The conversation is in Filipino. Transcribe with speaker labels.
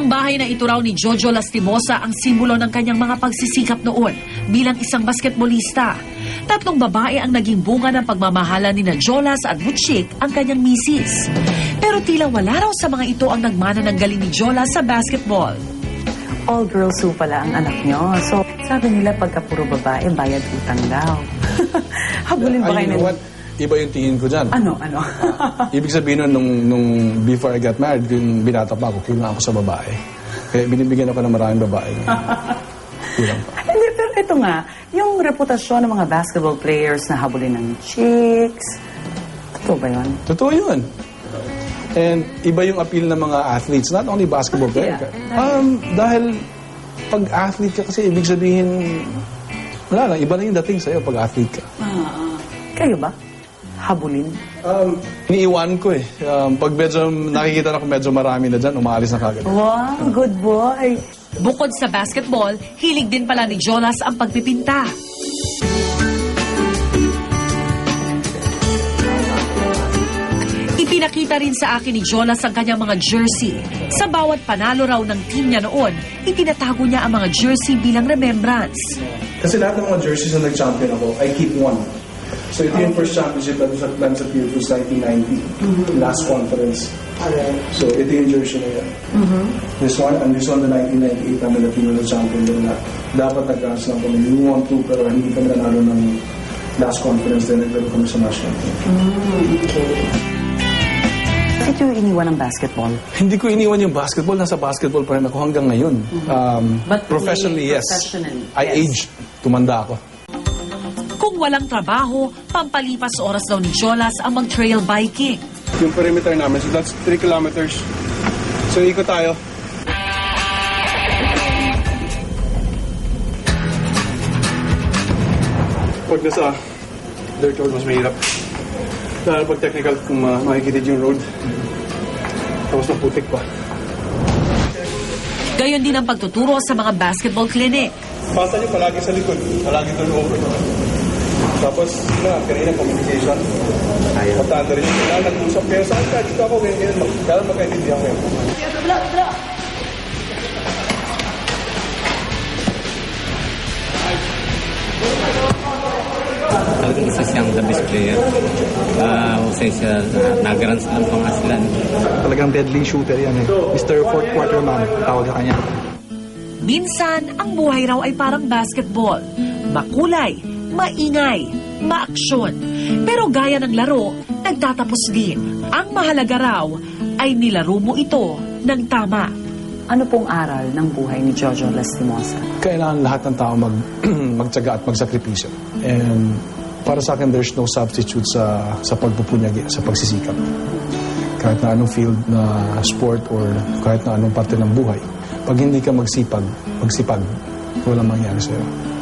Speaker 1: Ang bahay na ito raw ni Jojo Lastimosa ang simbolo ng kanyang mga pagsisikap noon bilang isang basketballista. 3 babae ang naging bunga ng pagmamahala ni na Jolas at Butchik ang kanyang misis. Pero tila wala raw sa mga ito ang nagmana ng galing ni Jolas sa basketball.
Speaker 2: All girls ho pala ang anak nyo. So, sabi nila pagka puro babae, bayad utang daw. Habulin ba kayo
Speaker 3: You know what? Iba yung tingin ko dyan.
Speaker 2: Ano?
Speaker 3: Ibig sabihin nung before I got married, yung binata pa ako, kulang ako sa babae. Kaya binibigyan ako ng maraming babae. Kulang pa.
Speaker 2: Hindi, pero ito nga, yung reputasyon ng mga basketball players na habulin ng chicks, totoo ba yun?
Speaker 3: Totoo yun. And iba yung appeal ng mga athletes, not only basketball players. Dahil pag athlete ka kasi, ibig sabihin, wala lang, iba na yung dating sa'yo pag athlete ka.
Speaker 2: Kayo ba? Habulin?
Speaker 3: Iniiwan ko eh. Pag medyo nakikita na kung medyo marami na dyan, umaalis na kagad.
Speaker 2: Wow, good boy.
Speaker 1: Bukod sa basketball, hilig din pala ni Jolas ang pagpipinta. Ipinakita rin sa akin ni Jolas ang kanyang mga jersey. Sa bawat panalo raw ng team niya noon, itinatago niya ang mga jersey bilang remembrance.
Speaker 3: Kasi lahat ng mga jerseys na nag-champion ako, I keep one. So ito yung first championship that was at Lance Appeal was 1990, last conference. So ito yung jersey na yan. This one, and this one the 1998 namin na Latino champion din na dapat nag-dance lang kami. We won two, pero hindi kami nanalo ng last conference din, naglaro kami sa national team.
Speaker 2: Bakit yung iniwan ng basketball?
Speaker 3: Hindi ko iniwan yung basketball, nasa basketball pa rin ako hanggang ngayon.
Speaker 2: But
Speaker 3: Professionally, yes.
Speaker 2: professionally,
Speaker 3: I aged, tumanda ako.
Speaker 1: Kung walang trabaho, pampalipas oras daw ni Jolas ang mag-trail biking.
Speaker 4: Yung perimeter namin, so that's 3 kilometers. So ikot tayo. Pag nasa dirt road, mas mahirap. Lalo pag technical, kung makikitid yung road. Tapos maputik pa.
Speaker 1: Gayon din ang pagtuturo sa mga basketball clinic.
Speaker 4: Pasa nyo palagi sa likod, palagi turnover. Tapos, kanina communication. Matanda rin yung kailangan nag-usap kayo. Saan ka? Dito ako, ganyan. Kaya magkaintindihan kayo.
Speaker 5: Talagang isa siyang the best player. Usay siya, nag-grand slam pang Aslan.
Speaker 6: Talagang deadly shooter yan eh. Mr. Fourth Quarter Man, tawag ka kanya.
Speaker 1: Minsan, ang buhay raw ay parang basketball. Makulay, maingay, maaksyon. Pero gaya ng laro, nagtatapos din. Ang mahalaga raw ay nilaro mo ito ng tama.
Speaker 2: Ano pong aral ng buhay ni Jojo Lastimosa?
Speaker 3: Kailangan lahat ng tao magtyaga at magsakripisyo. And para sa akin, there's no substitute sa pagpupunyagi, sa pagsisikap. Kahit na anong field na sport or kahit na anong parte ng buhay, pag hindi ka magsipag, walang mangyari sa'yo.